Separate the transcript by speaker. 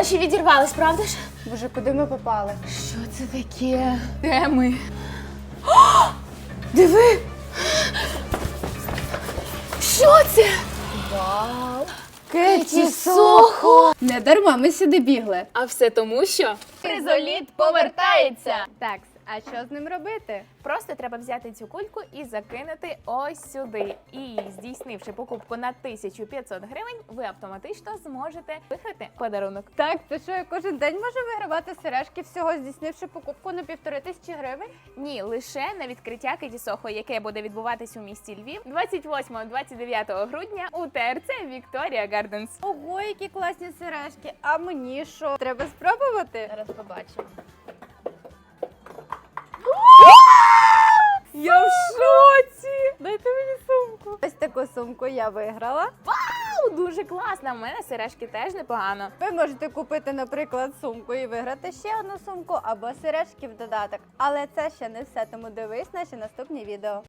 Speaker 1: Гроші відірвались, правда ж?
Speaker 2: Боже, куди ми попали?
Speaker 1: Що це таке? Де ми?
Speaker 2: Диви!
Speaker 1: Що це?
Speaker 2: Вау!
Speaker 1: Кеті Сохо!
Speaker 2: Не дарма ми сюди бігли.
Speaker 1: А все тому, що Фризоліт повертається.
Speaker 2: Так, а що з ним робити?
Speaker 1: Просто треба взяти цю кульку і закинути ось сюди. І здійснивши покупку на 1500 гривень, ви автоматично зможете виграти подарунок.
Speaker 2: Так, то що я кожен день можу вигравати сережки, всього здійснивши покупку на 1500 гривень?
Speaker 1: Ні, лише на відкриття Кеті Сохо, яке буде відбуватись у місті Львів 28-29 грудня у ТРЦ Вікторія Гарденс.
Speaker 2: Ого, які класні сережки. А мені що? Треба спробувати?
Speaker 1: Зараз побачимо.
Speaker 2: Я в шоці! Дайте мені сумку. Ось таку сумку я виграла.
Speaker 1: Дуже класно, в мене сережки теж непогано.
Speaker 2: Ви можете купити, наприклад, сумку і виграти ще одну сумку або сережки в додаток. Але це ще не все, тому дивись наші наступні відео.